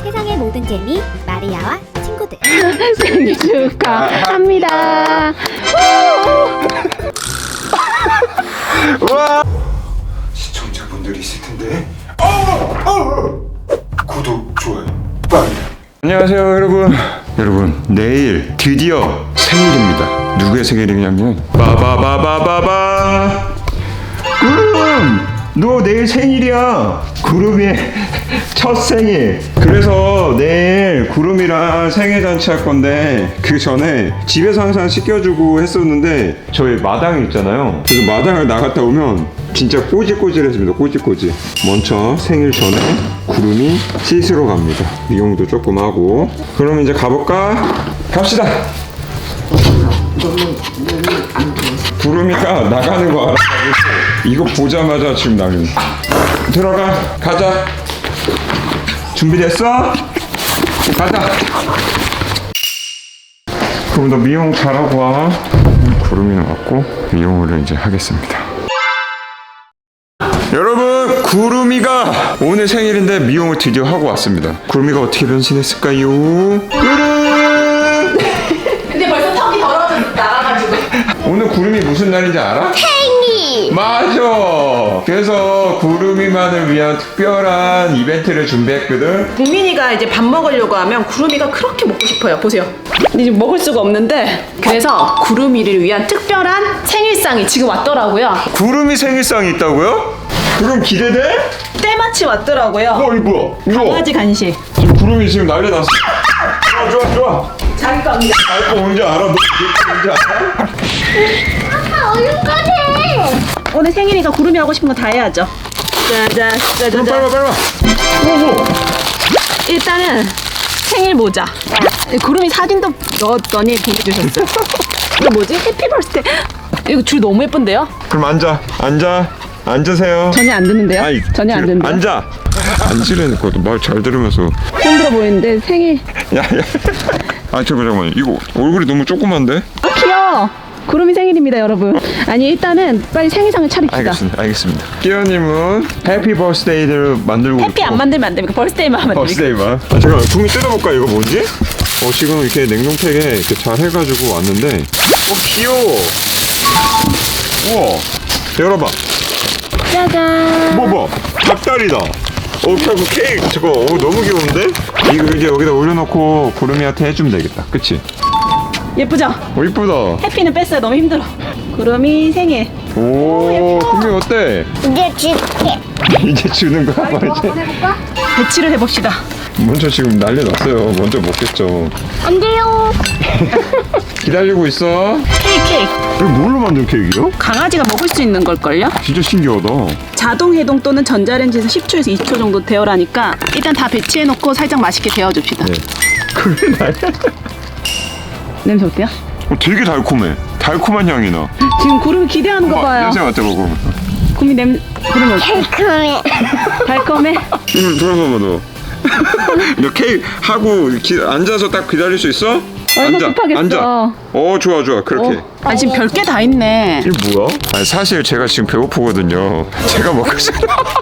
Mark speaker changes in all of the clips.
Speaker 1: 세상의 모든 재미 마리아와 친구들.
Speaker 2: 생일 축하합니다.
Speaker 3: 와! 시청자분들이 있을 텐데. 구독, 좋아요, 빨리. 안녕하세요, 여러분. 여러분, 내일 드디어 생일입니다. 누구의 생일이냐면 바바바바바바. 구름! 너 내일 생일이야. 구름이의 첫 생일. 그래서 내일 구름이랑 생일 잔치 할 건데 그 전에 집에서 항상 씻겨주고 했었는데 저희 마당이 있잖아요. 그래서 마당을 나갔다 오면 진짜 꼬질꼬질했습니다. 꼬질꼬질. 먼저 생일 전에 구름이 씻으러 갑니다. 미용도 조금 하고. 그럼 이제 가볼까? 갑시다. 구름이가 나가는 거 알아가지고 이거 보자마자 지금 난리. 들어가. 가자. 준비됐어? 가자. 그럼 너 미용 잘하고 와. 구름이는 왔고 미용을 이제 하겠습니다. 여러분, 구름이가 오늘 생일인데 미용을 드디어 하고 왔습니다. 구름이가 어떻게 변신했을까요? 구름!
Speaker 2: 근데 벌써 턱이 더러워져 나가가지고.
Speaker 3: 오늘 구름이 무슨 날인지 알아?
Speaker 1: 생일.
Speaker 3: 맞아. 그래서 구름이만을 위한 특별한 이벤트를 준비했거든.
Speaker 2: 국민이가 이제 밥 먹으려고 하면 구름이가 그렇게 먹고 싶어요. 보세요. 근데 지금 먹을 수가 없는데 그래서 구름이를 위한 특별한 생일상이 지금 왔더라고요.
Speaker 3: 구름이 생일상이 있다고요? 그럼 기대돼?
Speaker 2: 때마침 왔더라고요.
Speaker 3: 이거 뭐야?
Speaker 2: 강아지 간식.
Speaker 3: 지금 구름이 지금 난리 났어. 좋아.
Speaker 2: 자기 겁니다.
Speaker 3: 알고 뭔지 알아? 너 뭔지 알아?
Speaker 1: 아빠 얼룩거려.
Speaker 2: 오늘 생일이니까 구름이 하고 싶은 거 다 해야죠. 짜잔,
Speaker 3: 그럼
Speaker 2: 짜자잔.
Speaker 3: 빨리 와. 뭐?
Speaker 2: 일단은 생일 모자. 구름이 사진도 넣었더니 보내주셨어요. 이거 뭐지? 해피 버스데이. 이거 줄 너무 예쁜데요?
Speaker 3: 그럼 앉으세요.
Speaker 2: 전혀 안 듣는데요? 전혀 안 듣는데요?
Speaker 3: 앉아. 앉으라니까. 말 잘 들으면서.
Speaker 2: 힘들어 보이는데 생일.
Speaker 3: 야. 잠깐만. 이거 얼굴이 너무 조그만데?
Speaker 2: 귀여워. 구름이 생일입니다, 여러분. 아니 일단은 빨리 생일상을 차립시다.
Speaker 3: 알겠습니다. 끼어님은 해피 버스데이를 만들고
Speaker 2: 해피 안 만들면 안 됩니까? 벌스데이만 하면 됩니까?
Speaker 3: 버스데이만. 잠깐만, 국민 뜯어볼까? 이거 뭐지? 지금 이렇게 냉동팩에 이렇게 잘 해가지고 왔는데 귀여워. 우와, 열어봐.
Speaker 2: 짜잔.
Speaker 3: 뭐 닭다리다. 그 케이크 저거 너무 귀여운데? 이거 이제 여기다 올려놓고 구름이한테 해주면 되겠다. 그치?
Speaker 2: 예쁘죠?
Speaker 3: 이쁘다.
Speaker 2: 해피는 뺐어요. 너무 힘들어. 구름이 생일.
Speaker 3: 오, 구름이 어때?
Speaker 1: 이제 줄게.
Speaker 3: 이제 주는 거야?
Speaker 1: 한번 해볼까?
Speaker 2: 배치를 해봅시다.
Speaker 3: 먼저 지금 난리 났어요. 먼저 먹겠죠.
Speaker 1: 안 돼요.
Speaker 3: 기다리고 있어.
Speaker 2: 케이크.
Speaker 3: 이거 뭘로 만든 케이크요?
Speaker 2: 강아지가 먹을 수 있는 걸걸요?
Speaker 3: 진짜 신기하다.
Speaker 2: 자동 해동 또는 전자레인지에서 10초에서 20초 정도 데워라니까 일단 다 배치해놓고 살짝 맛있게 데워줍시다.
Speaker 3: 네. 그래 날.
Speaker 2: 냄새 어때요?
Speaker 3: 되게 달콤해. 달콤한 향이 나.
Speaker 2: 지금 구름이 기대하는 거 봐요.
Speaker 3: 냄새 맡아보고.
Speaker 2: 구름이 구름이 어때?
Speaker 1: 달콤해.
Speaker 2: 달콤해?
Speaker 3: 돌아봐봐 너. 너 케이크 하고 앉아서 딱 기다릴 수 있어?
Speaker 2: 얼마 급하겠어.
Speaker 3: 앉아. 좋아. 그렇게.
Speaker 2: 아 지금 별게 다 있네.
Speaker 3: 이게 뭐야? 사실 제가 지금 배고프거든요. 제가 먹고 싶어.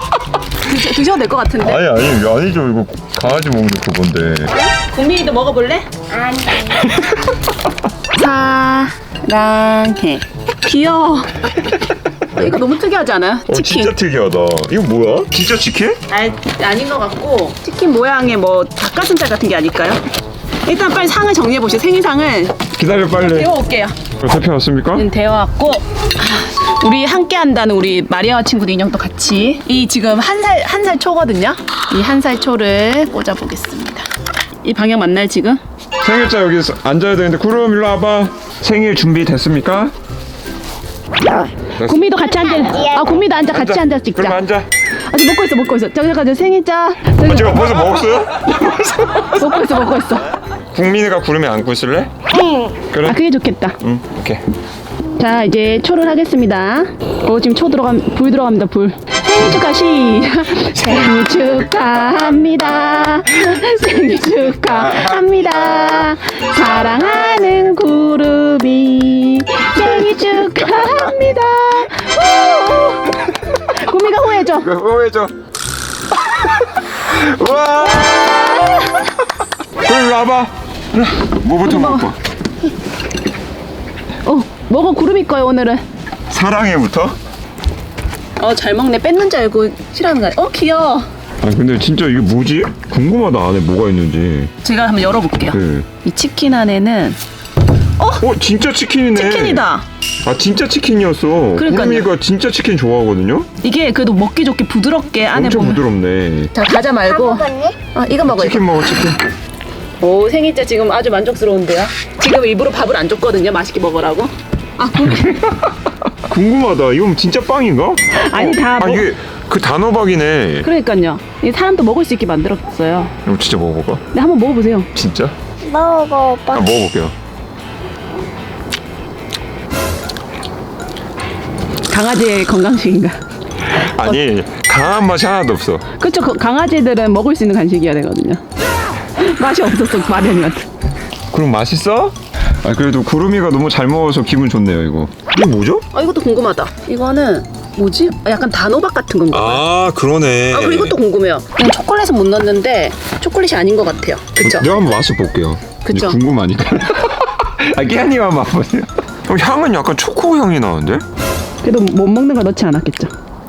Speaker 2: 드셔도 될 것 같은데.
Speaker 3: 아니죠. 이거 강아지 먹는 그건데.
Speaker 2: 국민이도 먹어볼래?
Speaker 1: 안 돼.
Speaker 2: 사랑해. 귀여워. 이거 너무 특이하지 않아요? 치킨.
Speaker 3: 진짜 특이하다. 이거 뭐야? 진짜 치킨?
Speaker 2: 아닌 것 같고 치킨 모양의 뭐 닭가슴살 같은 게 아닐까요? 일단 빨리 상을 정리해 보시죠. 생일상을
Speaker 3: 기다려 빨리.
Speaker 2: 데워올게요.
Speaker 3: 대표 왔습니까?
Speaker 2: 데워왔고 우리 함께 한다는 우리 마리아와 친구도 인형도 같이 이 지금 한 살 초거든요. 이 한 살 초를 꽂아 보겠습니다. 이 방향 맞나요 지금?
Speaker 3: 생일자 여기 앉아야 되는데 구름 일로 와봐. 생일 준비 됐습니까?
Speaker 2: 구미도 같이 앉아. 구미도 앉아. 같이 앉아 찍자.
Speaker 3: 그럼 앉아.
Speaker 2: 아직 먹고 있어. 저기 가서 생일자.
Speaker 3: 제가 벌써 먹었어요?
Speaker 2: 먹고 있어.
Speaker 3: 국민이가 구름에 안고 있을래?
Speaker 1: 응.
Speaker 3: 그래?
Speaker 2: 그게 좋겠다.
Speaker 3: 응, 오케이.
Speaker 2: 자 이제 초를 하겠습니다. 지금 불 들어갑니다. 불. 생일 축하 생일 축하합니다. 생일 축하합니다. 사랑하는 구름이 생일 축하합니다. 구미가 호해줘.
Speaker 3: 호해줘. 와. 먹어봐. 일로 와. 뭐부터
Speaker 2: 먹어.
Speaker 3: 먹을까?
Speaker 2: 먹어. 구름이 거요 오늘은.
Speaker 3: 사랑해부터?
Speaker 2: 잘 먹네. 뺏는 줄 알고 싫어하는 거야. 귀여워.
Speaker 3: 아 근데 진짜 이게 뭐지? 궁금하다. 안에 뭐가 있는지.
Speaker 2: 제가 한번 열어볼게요.
Speaker 3: 네.
Speaker 2: 이 치킨 안에는
Speaker 3: 진짜 치킨이네.
Speaker 2: 치킨이다.
Speaker 3: 아 진짜 치킨이었어.
Speaker 2: 그러니까요.
Speaker 3: 구름이가 진짜 치킨 좋아하거든요.
Speaker 2: 이게 그래도 먹기 좋게 부드럽게 안에
Speaker 3: 엄청
Speaker 2: 보면.
Speaker 3: 부드럽네.
Speaker 2: 자, 과자
Speaker 1: 다
Speaker 2: 말고.
Speaker 1: 먹었니?
Speaker 2: 이거 먹어.
Speaker 3: 치킨 먹어 치킨.
Speaker 2: 오, 생일자 지금 아주 만족스러운데요. 지금 일부러 밥을 안 줬거든요. 맛있게 먹으라고.
Speaker 3: 궁금하다. 이건 진짜 빵인가?
Speaker 2: 아니, 다 뭐-
Speaker 3: 이게 그 단호박이네.
Speaker 2: 그러니까요. 이 사람도 먹을 수 있게 만들었어요.
Speaker 3: 이거 진짜 먹어볼까?
Speaker 2: 네, 한번 먹어보세요.
Speaker 3: 진짜?
Speaker 1: 먹어 오빠.
Speaker 3: 먹어볼게요.
Speaker 2: 강아지의 건강식인가?
Speaker 3: 아니 강한 맛이 하나도 없어.
Speaker 2: 그렇죠. 강아지들은 먹을 수 있는 간식이어야 되거든요. 맛이 없었어, 마련이한테.
Speaker 3: 그럼 맛있어? 그래도 구름이가 너무 잘 먹어서 기분 좋네요 이거. 이거 뭐죠?
Speaker 2: 이것도 궁금하다. 이거는 뭐지? 약간 단호박 같은 건가?
Speaker 3: 아 그러네.
Speaker 2: 그리고 이것도 궁금해요. 그냥 초콜릿은 못 넣었는데 초콜릿이 아닌 것 같아요. 그쵸?
Speaker 3: 내가 한번 맛을 볼게요.
Speaker 2: 그쵸?
Speaker 3: 이제 궁금하니까. 깨한이가 한번 맛보세요. 향은 약간 초코 향이 나는데?
Speaker 2: 그래도 못 먹는 걸 넣지 않았겠죠.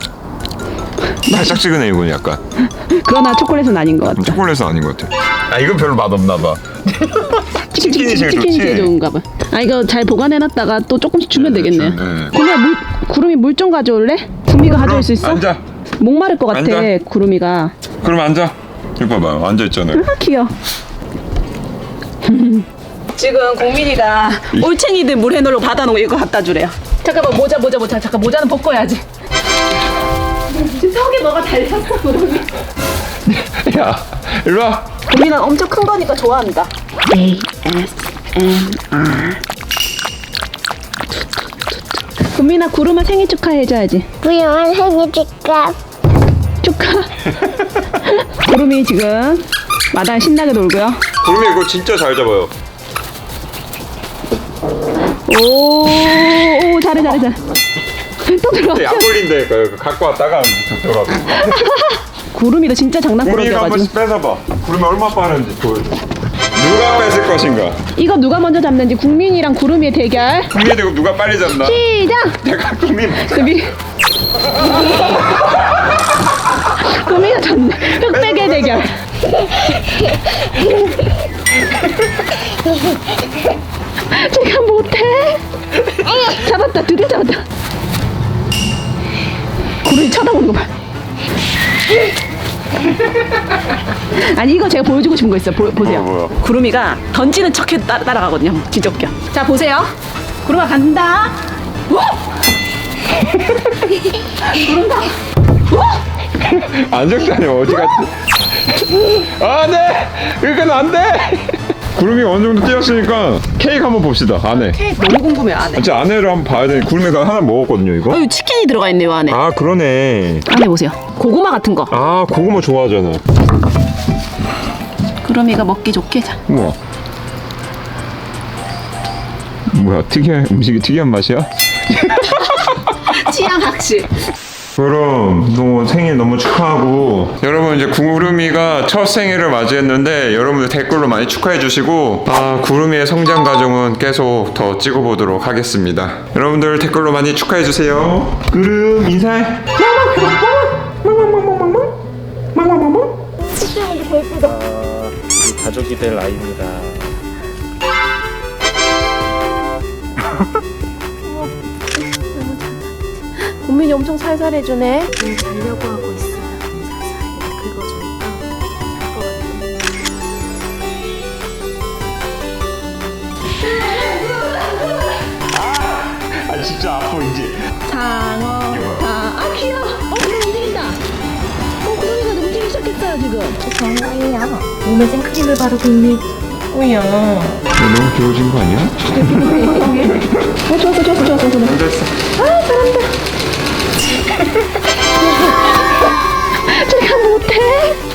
Speaker 3: 달짝지근해 이건 약간.
Speaker 2: 그러나 초콜릿은 아닌 것 같다.
Speaker 3: 초콜릿은 아닌 것 같아. 이건 별로 맛 없나 봐. 치킨이 제일
Speaker 2: 치킨이
Speaker 3: 좋지.
Speaker 2: 제일 좋은가 봐. 이거 잘 보관해놨다가 또 조금씩 주면 되겠네.
Speaker 3: 네.
Speaker 2: 구름이 물 좀 가져올래? 구미가 가져올 수 있어?
Speaker 3: 앉아.
Speaker 2: 목마를 것 같아.
Speaker 3: 앉아.
Speaker 2: 구름이가.
Speaker 3: 그럼 앉아. 이거 봐봐. 앉아 있잖아요.
Speaker 2: 귀여워. 지금 공민이가 올챙이들 물 해놓으러 받아놓은 거 이거 갖다 주래요. 잠깐만 모자. 잠깐 모자는 벗고야지. 지금 턱에 뭐가 달렸어 구름이.
Speaker 3: 야, 일로 와.
Speaker 2: 공민은 엄청 큰 거니까 좋아한다. ASMR. 구민아 구름아 생일 축하해줘야지.
Speaker 1: 부영한 생일 축하.
Speaker 2: 축하. 구름이 지금 마당 신나게 놀고요.
Speaker 3: 구름이 이거 진짜 잘 잡아요.
Speaker 2: 오, 잘해. 또 들어왔어.
Speaker 3: 약 걸린다니까. 이거 갖고 왔다가 들어가.
Speaker 2: 구름이도 진짜
Speaker 3: 구름이가 한
Speaker 2: 장난꾸러기여가지고.
Speaker 3: 번씩 뺏어봐. 구름이 얼마 빠른지 보여줘. 누가 뺏을 것인가?
Speaker 2: 이거 누가 먼저 잡는지 국민이랑 구름이의 대결.
Speaker 3: 구름이 되고 누가 빨리 잡나?
Speaker 2: 시작!
Speaker 3: 내가 구름이.
Speaker 2: 구미가 졌네. 흑백의 대결. 제가 못해. 잡았다. 드디어 잡았다. 구름이 쳐다보는 거 봐. 아니 이거 제가 보여주고 싶은 거 있어요. 보세요.
Speaker 3: 뭐야?
Speaker 2: 구름이가 던지는 척해 따라가거든요. 진짜 웃겨. 자 보세요. 구름아 간다. 구름다.
Speaker 3: 안 적다니 어디 갔지? 아, 네! 이건 안 돼! 구름이 어느 정도 뛰었으니까 케이크 한번 봅시다. 안에.
Speaker 2: 케이크 너무 궁금해요 안에.
Speaker 3: 진짜 안에를 한번 봐야 돼. 구름이가 하나 먹었거든요, 이거.
Speaker 2: 여기 치킨이 들어가 있네요 안에.
Speaker 3: 아, 그러네.
Speaker 2: 안에 보세요. 고구마 같은 거.
Speaker 3: 아, 고구마 좋아하잖아.
Speaker 2: 구름이가 먹기 좋게. 자.
Speaker 3: 우와. 뭐야, 특이한 음식이 특이한 맛이야?
Speaker 2: 취향 학식.
Speaker 3: 그럼 너 생일 너무 축하하고 여러분 이제 구름이가 첫 생일을 맞이했는데 여러분들 댓글로 많이 축하해 주시고 구름이의 성장 과정은 계속 더 찍어보도록 하겠습니다. 여러분들 댓글로 많이 축하해 주세요. 구름 인사해.
Speaker 4: 가족이 될 아이입니다.
Speaker 2: 국민이 엄청 살살 해주네.
Speaker 1: 자려고 하고 있어요. 살살 긁어주니까 잘 것 같아요.
Speaker 3: 아 진짜 아파 이제.
Speaker 2: 장어. 귀여워. 구름 움직인다. 구름이가 움직이기 시작했어요 지금.
Speaker 1: 정말이야. 몸에 생크림을 바르고 있네.
Speaker 3: 너무 귀여워진 거 아니야?
Speaker 2: 좋았어.
Speaker 3: 앉아있어.
Speaker 2: 제가 못해.